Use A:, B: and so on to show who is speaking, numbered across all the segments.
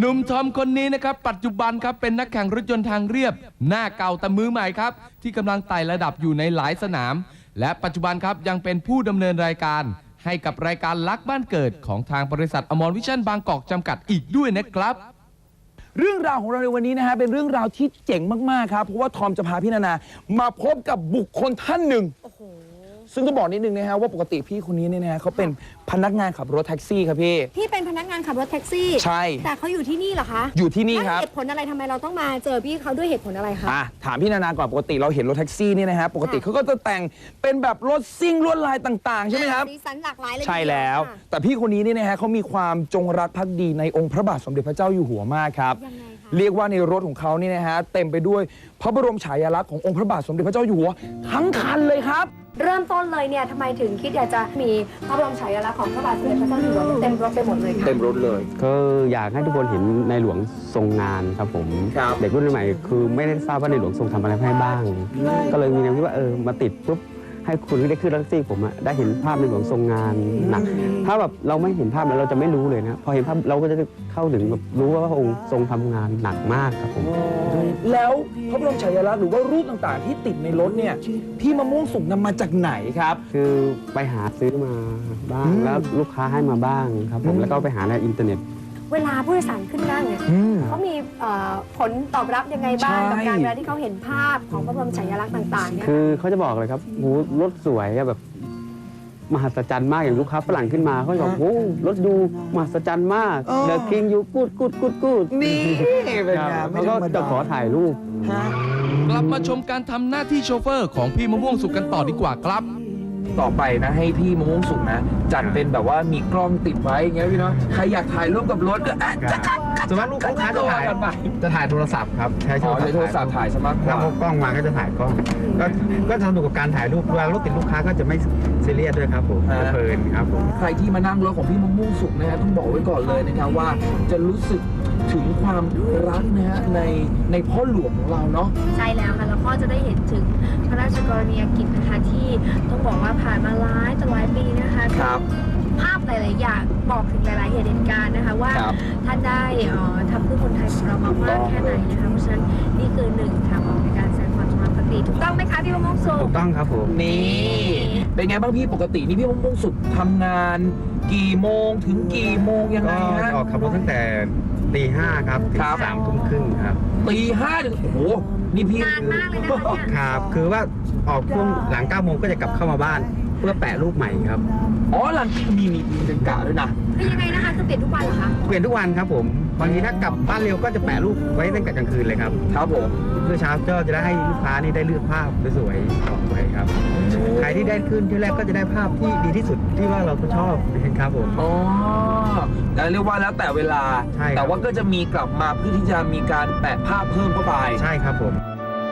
A: หนุ่มทอมคนนี้นะครับปัจจุบันครับเป็นนักแข่งรถยนต์ทางเรียบหน้าเก่าแต่มือใหม่ครับที่กำลังไต่ระดับอยู่ในหลายสนามและปัจจุบันครับยังเป็นผู้ดำเนินรายการให้กับรายการลักบ้านเกิดของทางบริษัทอมรวิชั่นบางกอกจำกัดอีกด้วยนะครับ
B: เรื่องราวของเราในวันนี้นะฮะเป็นเรื่องราวที่เจ๋งมากๆครับเพราะว่าทอมจะพาพี่นานามาพบกับบุคคลท่านหนึ่งซึ่งต้องบอกนิดนึงนะฮะว่าปกติพี่คนนี้เนี่ยนะฮะเขาเป็นพนักงานขับรถแท็กซี่ครับพี่
C: เป็นพนักงานขับรถแท็กซี่
B: ใช่
C: แต่เขาอยู่ที่นี่เหรอคะ
B: อยู่ที่นี่ครับ
C: เหตุผลอะไรทำไมเราต้องมาเจอพี่เขาด้วยเหตุผลอะไรคะ
B: ถามพี่นานาก่อนปกติเราเห็นรถแท็กซี่นี่นะฮะปกติเขาก็จะแต่งเป็นแบบรถซิ่งลวดลายต่างๆใช่ไหมครับ
C: สีสันหลากหลายเลย
B: ใช่แล้วแต่พี่คนนี้นี่นะฮะเขามีความจงรักภักดีในองค์พระบาทสมเด็จพระเจ้าอยู่หัวมากครับเรียกว่าในรถของเขานี่นะฮะเต็มไปด้วยพระบรมฉายาลักษณ์ขององค์พระบาทสมเด็จพระเจ้าอยู่หัวทั้งคันเลยครับ
C: เริ่มต้นเลยเนี่ยทำไมถึงคิดอยากจะมีพระบรมฉายาลักษณ์ของพระบาทสมเด็จพระเจ้าอยู่หัวเต็มรถไปหมดเลยค่ะ
B: เต็มรถเลย
D: ก็อยากให้ทุกคนเห็นในหลวงทรงงานครับผมเด็กรุ่นใหม่คือไม่ได้ทราบว่าในหลวงทรงทำอะไรให้บ้างก็เลยมีแนวคิดว่ามาติดปุ๊บให้คุณที่ได้ขึ้นรถแท็กซี่ผมได้เห็นภาพในหลวงทรงงานหนักถ้าแบบเราไม่เห็นภาพแล้วเราจะไม่รู้เลยนะพอเห็นภาพเราก็จะเข้าถึงแบบรู้ว่าพระองค์ทรงทำงานหนักมากครับผม
B: แล้วพระบรมฉายาลักษณ์หรือว่ารูปต่างๆที่ติดในรถเนี่ยพี่มะม่วงสุกนำมาจากไหนครับ
D: คือไปหาซื้อมาบ้างแล้วลูกค้าให้มาบ้างครับผมแล้วก็ไปหาในอินเทอร์เน็ต
C: เวลาผู้โดยสารขึ้นนั่งเนี่ยเขามีผลตอบรับยังไงบ้างกับการเวลาที่เขาเห็นภาพของพระบรมฉายาลักษณ์ต่างๆเนี่ย
D: คือเขาจะบอกเลยครับรถสวยแบบมหัศจรรย์มากอย่างลูกค้าฝรั่งขึ้นมาเขาจะบอกโอ้รถดูมหัศจรรย์มากเดอะคิงยูกูด
B: นี่เป็นไง
D: เขาก็จะขอถ่ายรูป
A: กลับมาชมการทำหน้าที่โชเฟอร์ของพี่มะม่วงสุกกันต่อดีกว่าครับ
B: ต่อไปนะให้พี่มะม่วงสุกนะจัดเป็นแบบว่ามีกล้องติดไว้อย่างเงี้ยพี่เนาะใครอยากถ่ายรูปกับรถก็
D: ส่วนมากลูกค้าจะถ่ายโทรศัพท์ครับใช้
B: โทรศัพท์ถ่ายสมัคร
D: ถ้าพกกล้องมาก็จะถ่ายกล้องก็สนุกกับการถ่ายรูปเวลารถติดลูกค้าก็จะไม่ซีเรียสด้วยครับผมเพลินครับผม
B: ใครที่มานั่งรถของพี่มะม่วงสุกนะฮะต้องบอกไว้ก่อนเลยนะครับว่าจะรู้สึกถึงความรักนะฮะในพ่อหลวงของเราเนาะ
C: ใช่แล้วค่ะแล้วก็จะได้เห็นถึงพระราชกรณียกิจนะคะที่ต้องบอกว่าผ่านมาหลายปีนะคะ
B: ครับ
C: ภาพหลายๆอย่างบอกถึงหลายๆเหตุการณ์นะคะว่าท่านได้ทำเพื่อคนไทยของเรามามากแค่ไหนนะคะเพราะฉะนั้นนี่คือหนึ่งทางออกในการแสดงความจงรักภักดีถูกต้องไหมคะพี่มะม่วงสุก
D: ถูกต้องครับผม
B: นี่เป็นไงบ้างพี่ปกตินี่พี่มะม่วงสุกทำงานกี่โมงถึงกี่โมงยังไงฮะ
D: ออกขับรถตั้งแต่ตี5ครับถึง3 ทุ่มครึ่งครับ
B: ตี5ถึงโอ้โหนี่พี่
C: นานมากเลยนะครับ
D: คือว่าออกช่วงหลัง9 โมงก็จะกลับเข้ามาบ้านเพื่อแปะรูปใหม่ครับ
B: หลังมีเป็นกะด้วยนะ
C: คือยังไงนะคะคือเปลี่ยนทุกวันเหรอคะ
D: เปลี่ยนทุกวันครับผมบางทีถ้ากลับบ้านเร็วก็จะแปะรูปไว้ตั้งแต่กลางคืนเลยครับ
B: ครับผม
D: เพื่อเช้าก็จะได้ให้ลูกค้านี่ได้เลือกภาพสวยๆออกไปครับใครที่ได้ขึ้นที่แรกก็จะได้ภาพที่ดีที่สุดที่ว่าเราชอบนะครับผม
B: แต่เรียกว่าแล้วแต่เวลาแต่ว่าก็จะมีกลับมาเพื่อที่จะมีการแปะภาพเพิ่มเข้าไป
D: ใช่ครับผม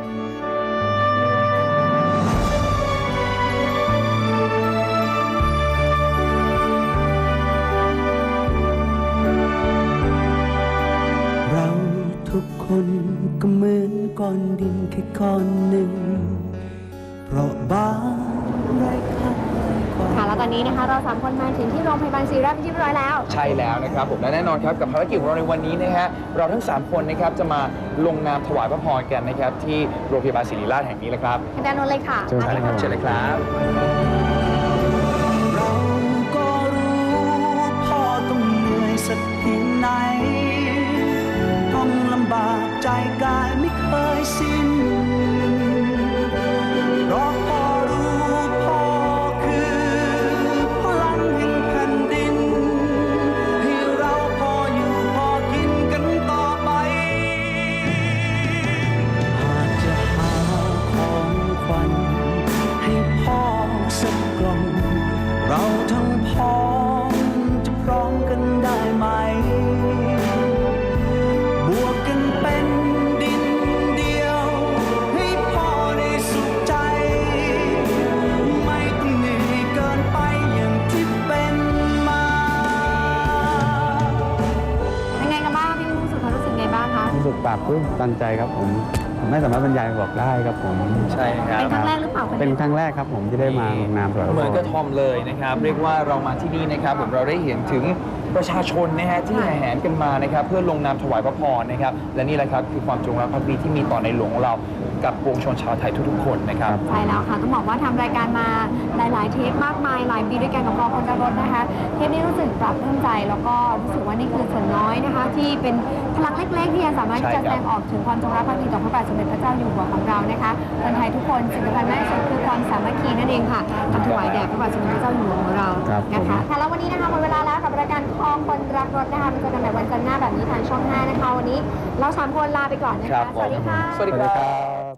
E: ทุกคนก็เหมือนก้อนดินแค่ก้อนหนึ่งเพราะบางไร้ค่า
C: ค่ะแล้วตอนนี้นะคะเรา3 คนมาถึงที่โรงพยาบาลศิริราชเป็นที่เรียบร้อยแล้ว
B: ใช่แล้วนะครับผมและแน่นอนครับกับภารกิจของเราในวันนี้นะฮะเราทั้ง3 คนนะครับจะมาลงนามถวายพระพรกันนะครับที่โรงพยาบาลศิริราชแห่งนี้แหละครับ
C: ด้านโน้นเลยค่ะ
B: เชิญเลยครับ
E: เราก็รู้พ่อต้องเหนื่อยสักเพียงไหนต้องลำบากใจกายไม่เคยสิ้นเพราะพ่อรู้พ่อคือพลังแห่งแผ่นดินให้เราพออยู่พอกินกันต่อไปหากจะหาของขวัญให้พ่อสักกล่องเราทั้งพ้องจะพร้อมกันได้ไหมบวกกันเป็นดินเดียวให้พ่อได้สุขใจไม่ต้องเหนื่อยเกินไปอย่างที่เป็นมา
C: เป็นไงกันบ้างพี่มะม่วงสุกรู้สึกไงบ้างคะ
D: รู้สึกปลาบปลื้มตันใจครับผมไม่สามารถบรรยายบอกได้ครับผม
B: ใช่ครับ
C: เป็นครั้งแรกหรือเปล่า
D: เป็นครั้งแรกครับผมที่ได้มาลงนามถวายพระพร
B: เหมือนกับทอมเลยนะครับเรียกว่าเรามาที่นี่นะครับผมเราได้เห็นถึงประชาชนนะฮะที่แห่แหนกันมานะครับเพื่อลงนามถวายพระพรนะครับและนี่แหละครับคือความจงรักภักดีที่มีต่อในหลวงของเรากับปวงชนชาวไทยทุกๆคนนะครับ
C: ใช่แล้วค่ะต้องบอกว่าทำรายการมาหลายๆเทปมากมายหลายปีด้วยกันกับกองคนรักรถนะคะเทปนี้รู้สึกปรับปลื้มใจแล้วก็รู้สึกว่านี่คือส่วนน้อยนะคะที่เป็นพลังเล็กๆที่ยังสามารถที่จะแสดงออกถึงความจงรักภักดีต่อพระบาทสมเด็จพระเจ้าอยู่หัวของเรานะคะคนไทยทุกคนสิ่งสำคัญมากที่สุดคือความสามัคคีนั่นเองค่ะทำถวายแด่พระบาทสมเด็จพระเจ้าอยู่หัวของเรานะคะค่ะแล้ววันนี้นะคะหมดเวลาแล้วกับรายการกองคนรักรถนะคะมาเจอกันใหม่วันจันทร์หน้าแบบนี้ทางช่อง 5นะคะวันนี้เรา3 คนลาไปก่อนนะคะสวัสดีค่ะ
B: สวัสดีครับ